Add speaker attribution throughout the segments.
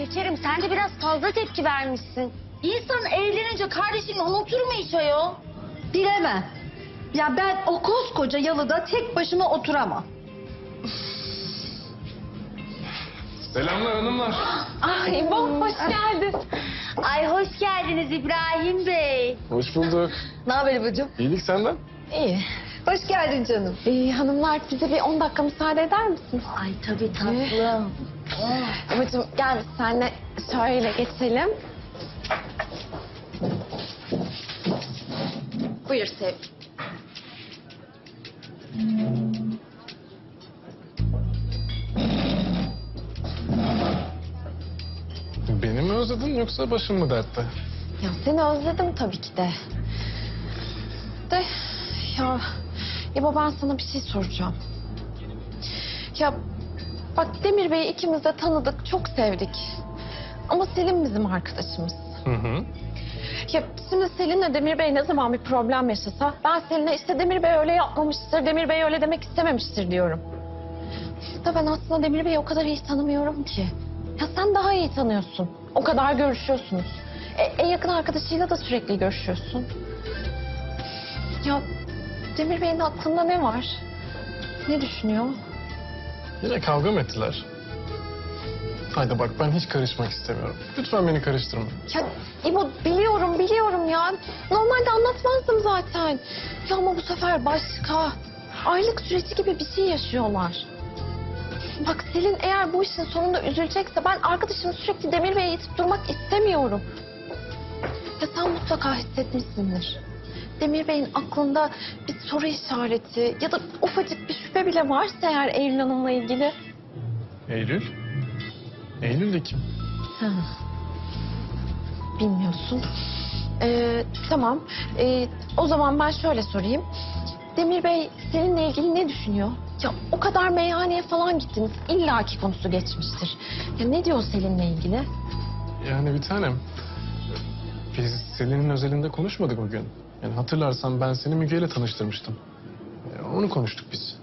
Speaker 1: şekerim sen de biraz fazla tepki vermişsin. İnsan evlenince kardeşini unutur mu hiç ayol?
Speaker 2: Bilemem. Ya ben o koskoca yalıda tek başıma oturamam.
Speaker 3: Selamlar hanımlar.
Speaker 1: Ay İbo hoş geldin. Ay hoş geldiniz İbrahim Bey.
Speaker 3: Hoş bulduk.
Speaker 2: Ne haber İbo'cum?
Speaker 3: İyilik senden.
Speaker 4: İyi.
Speaker 2: Hoş geldin canım.
Speaker 4: Hanımlar bize bir 10 dakika müsaade eder misiniz?
Speaker 1: Ay tabii tatlım.
Speaker 4: Babacığım gel biz seninle şöyle geçelim. Buyur Sevgi.
Speaker 3: Beni mi özledin yoksa başın mı dertte?
Speaker 4: Ya seni özledim tabii ki de. De ya İbo ben sana bir şey soracağım. Ya bak Demir Bey'i ikimiz de tanıdık, çok sevdik. Ama Selin bizim arkadaşımız.
Speaker 3: Hı hı.
Speaker 4: Ya şimdi Selin'le Demir Bey ne zaman bir problem yaşasa ben Selin'e işte Demir Bey öyle yapmamıştır, Demir Bey öyle demek istememiştir diyorum. Da ben aslında Demir Bey'i o kadar iyi tanımıyorum ki. Ya sen daha iyi tanıyorsun. O kadar görüşüyorsunuz. En yakın arkadaşıyla da sürekli görüşüyorsun. Ya Demir Bey'in aklında ne var? Ne düşünüyor?
Speaker 3: Yine kavga mı ettiler? Haydi bak ben hiç karışmak istemiyorum. Lütfen beni karıştırma.
Speaker 4: Ya İbo biliyorum ya. Normalde anlatmazdım zaten. Ya ama bu sefer başka. Aylık süreci gibi bir şey yaşıyorlar. Bak Selin eğer bu işin sonunda üzülecekse ben arkadaşımı sürekli Demir Bey'e itip durmak istemiyorum. Ya sen mutlaka hissetmişsindir. Demir Bey'in aklında bir soru işareti ya da ufacık bir şüphe bile varsa eğer Eylül Hanım'la ilgili.
Speaker 3: Eylül? Eylül de kim?
Speaker 4: Bilmiyorsun. Tamam. O zaman ben şöyle sorayım. Demir Bey seninle ilgili ne düşünüyor? Ya o kadar meyhaneye falan gittiniz. İlla ki konusu geçmiştir. Ya ne diyor Selin'le ilgili?
Speaker 3: Yani bir tanem. Biz Selin'in özelinde konuşmadık o gün. Yani hatırlarsan ben seni Müge ile tanıştırmıştım. Onu konuştuk biz.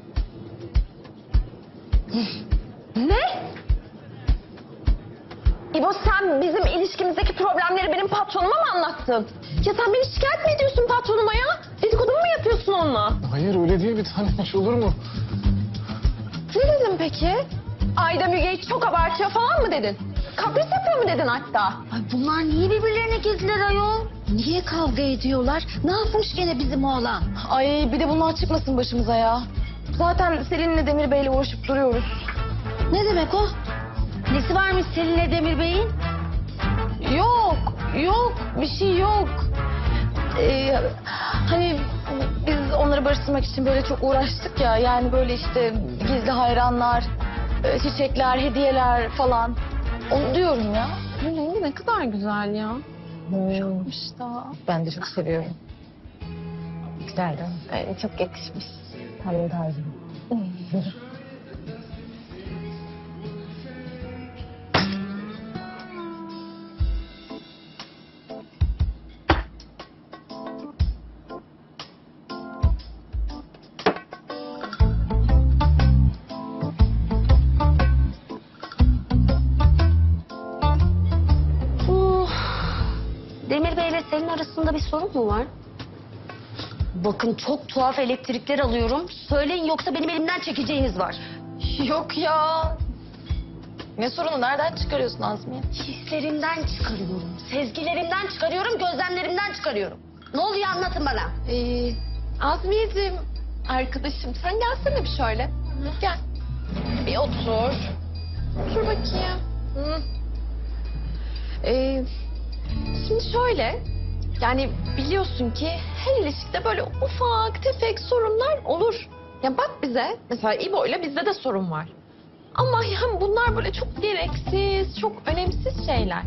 Speaker 4: Ne? İbo sen bizim ilişkimizdeki problemleri benim patronuma mı anlattın? Ya sen beni şikayet mi ediyorsun patronuma ya? Dedikodu mu yapıyorsun onunla?
Speaker 3: Hayır öyle değil bir tanem hiç olur mu?
Speaker 4: Ne dedin peki? Ayda Müge'yi çok abartıyor falan mı dedin? Kapris yapıyor mu dedin hatta?
Speaker 1: Ay bunlar niye birbirlerine girdiler ayol? Niye kavga ediyorlar? Ne yapmış gene bizim oğlan?
Speaker 4: Ay bir de bunlar çıkmasın başımıza ya. Zaten Selin'le Demir Bey'le uğraşıp duruyoruz.
Speaker 1: Ne demek o? Nesi varmış Selin'le Demir Bey'in?
Speaker 4: Yok bir şey yok. Hani biz onları barıştırmak için böyle çok uğraştık ya. Yani böyle işte gizli hayranlar, çiçekler, hediyeler falan. Onu diyorum ya. Bu rengi ne kadar güzel ya. Yokmuş da.
Speaker 2: Ben de çok seviyorum. Güzel değil mi?
Speaker 4: Çok yakışmış.
Speaker 2: Tam tarzım.
Speaker 1: Demir Bey'le Selin arasında bir sorun mu var? Bakın çok tuhaf elektrikler alıyorum. Söyleyin yoksa benim elimden çekeceğiniz var.
Speaker 4: Yok ya. Ne sorunu? Nereden çıkarıyorsun Azmiye?
Speaker 1: Hislerimden çıkarıyorum, sezgilerimden çıkarıyorum, gözlemlerimden çıkarıyorum. Ne oluyor anlatın bana.
Speaker 4: Azmiyeciğim, arkadaşım sen gelsene bir şöyle. Gel. Bir otur. Otur bakayım. Şimdi şöyle, yani biliyorsun ki her ilişkide böyle ufak tefek sorunlar olur. Ya bak bize, mesela İbo'yla bizde de sorun var. Ama yani bunlar böyle çok gereksiz, çok önemsiz şeyler.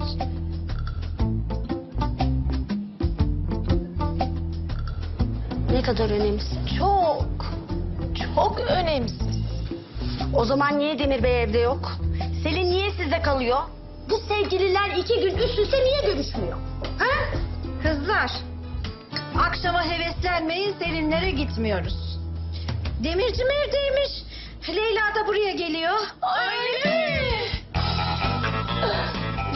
Speaker 1: Ne kadar önemsiz.
Speaker 4: Çok önemsiz.
Speaker 1: O zaman niye Demir Bey evde yok? Selin niye sizde kalıyor? Bu sevgililer 2 gün üst üste niye görüşmüyor? Ha?
Speaker 2: Kızlar, akşama heveslenmeyin, Selinlere gitmiyoruz. Demircim evdeymiş. Leyla da buraya geliyor.
Speaker 4: Öyle mi?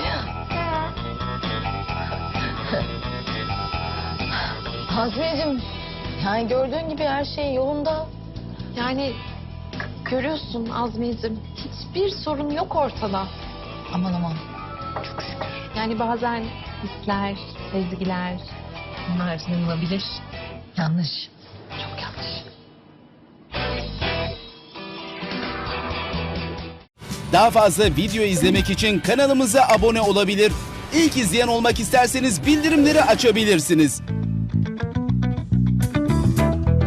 Speaker 4: Azmi'cim yani gördüğün gibi her şey yolunda. Yani görüyorsun Azmi'cim hiçbir sorun yok ortada.
Speaker 2: Aman aman.
Speaker 4: Çok şükür. Yani bazen hisler, sezgiler bunlar yanılabilir.
Speaker 2: Yanlış.
Speaker 4: Çok yanlış.
Speaker 5: Daha fazla video izlemek için kanalımıza abone olabilir. İlk izleyen olmak isterseniz bildirimleri açabilirsiniz.